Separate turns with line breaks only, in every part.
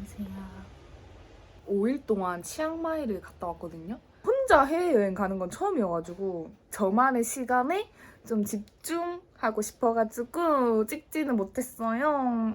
안녕하세요. 5일 동안 치앙마이를 갔다 왔거든요. 혼자 해외여행 가는 건 처음이어가지고 저만의 시간에 좀 집중하고 싶어가지고 찍지는 못했어요.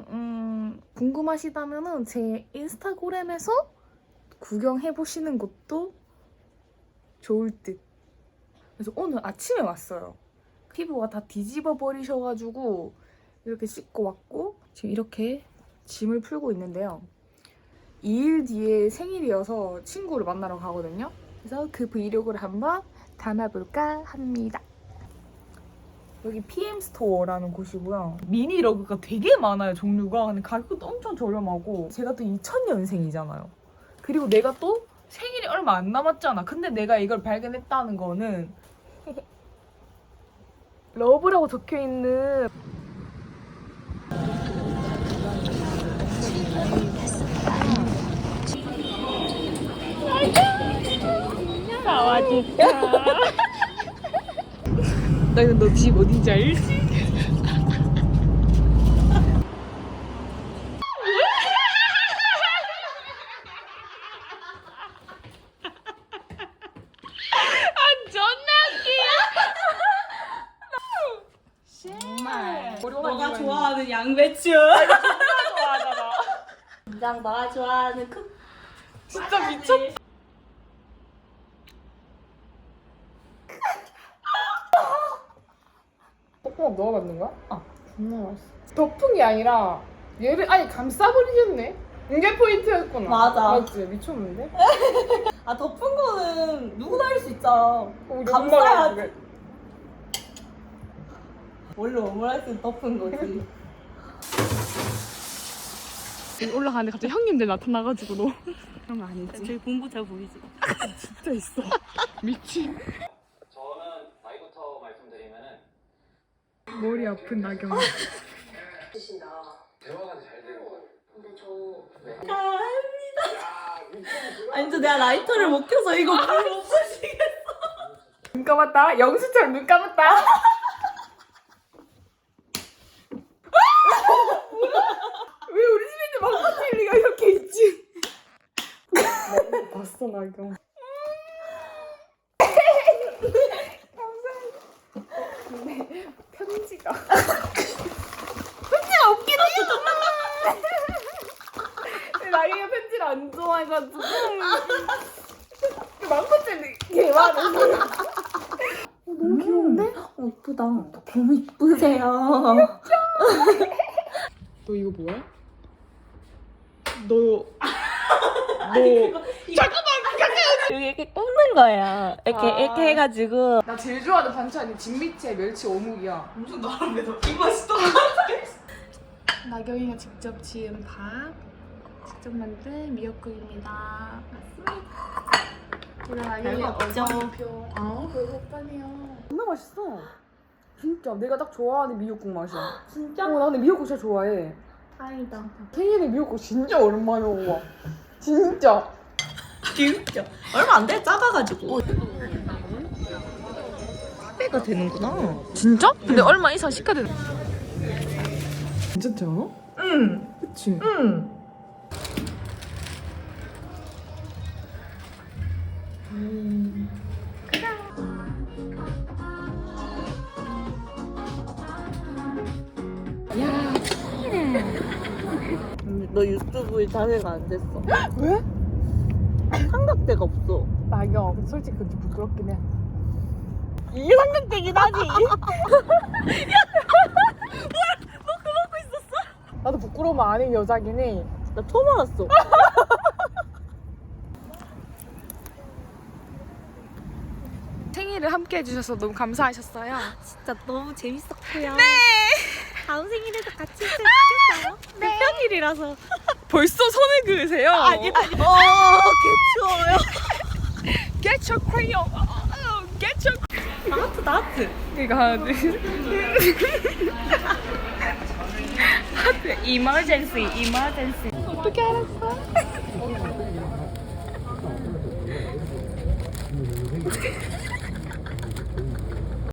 궁금하시다면 제 인스타그램에서 구경해보시는 것도 좋을 듯. 그래서 오늘 아침에 왔어요. 피부가 다 뒤집어 버리셔가지고 이렇게 씻고 왔고 지금 이렇게 짐을 풀고 있는데요. 2일 뒤에 생일이어서 친구를 만나러 가거든요. 그래서 그 브이로그를 한번 담아볼까 합니다. 여기 PM 스토어라는 곳이고요. 미니 러그가 되게 많아요, 종류가. 근데 가격도 엄청 저렴하고 제가 또 2000년생이잖아요. 그리고 내가 또 생일이 얼마 안 남았잖아. 근데 내가 이걸 발견했다는 거는 러브라고 적혀있는 나와줄까? 나 이거 너 집 어딘지 알지?
너가 좋아하는 양배추.
좋아하잖아.
인장 너가 좋아하는
진짜 미쳤다. 볶음밥 넣어봤는 거야?
정말 맛있어.
덮은 게 아니라 얘를 아예 감싸버리겠네. 이게 포인트였구나.
맞아.
맞지? 미쳤는데?
아 덮은 거는 누구나 할 수 있잖아.
우리
감싸야지.
엄마가
원래 오므라이스는 덮은 거지.
올라가는데 갑자기 형님들 나타나가지고 너 그런 거 아니지?
저기 공부 잘 보이지?
진짜 있어. 미친.
저는 나이부터 말씀드리면은
머리 아픈 나경.
대화가 잘 되는 것 같아요.
근데 저 아니 저 내가 라이터를 못 켜서 이거 불 못 붙이겠어.
눈 감았다. 영수처럼 눈 감았다. 왜 우리 집에 있는 망고젤리가 이렇게 있지? 봤어 나경. 근데 편지가 웃기네. 나경이가 편지를 안 좋아해가지고 망고젤리 개 많아. 너무 귀여운데?
이쁘다. 너무 이쁘세요.
너 이거 뭐야? 너
여기 이렇게 꼽는 거야. 이렇게 해가지고.
나 제일 좋아하는 반찬이 진미채 멸치 어묵이야.
무슨 나름에 이 맛이 또
나경이가 직접 지은 밥, 직접 만든 미역국입니다. 맞습니다. 우리 나경이가
별거 없죠?
어머니표. 별거 없다니요. 존나 맛있어. 진짜 내가 딱 좋아하는 미역국 맛이야.
진짜?
나 근데 미역국 진짜 좋아해.
다행이다.
생일에 미역국 진짜 오랜만에 먹어. 진짜.
진짜 얼마 안 돼? 작아가지고. 배가 되는구나.
진짜? 근데 얼마 이상 시켜야 되는. 괜찮지 않아?
응.
그치?
응.
야,
근데 너 유튜브에 자세가 안 됐어.
왜?
삼각대가 없어.
나경, 솔직히 그좀 부끄럽긴 해.
이게 삼각대긴 하지.
나도 부끄러우면 아닌 여자긴 해.
나 처음 알았어.
생일을 함께 해주셔서 너무 감사하셨어요.
진짜 너무 재밌었고요. 네. 다음 생일에도 같이 했으면 좋겠어요. 네. 평일이라서.
벌써 손을 그으세요?
아니. 개추워요.
Get your crayon. Get your.
나트.
이거 하나 둘. 하트. Emergency. 어떻게 알았어?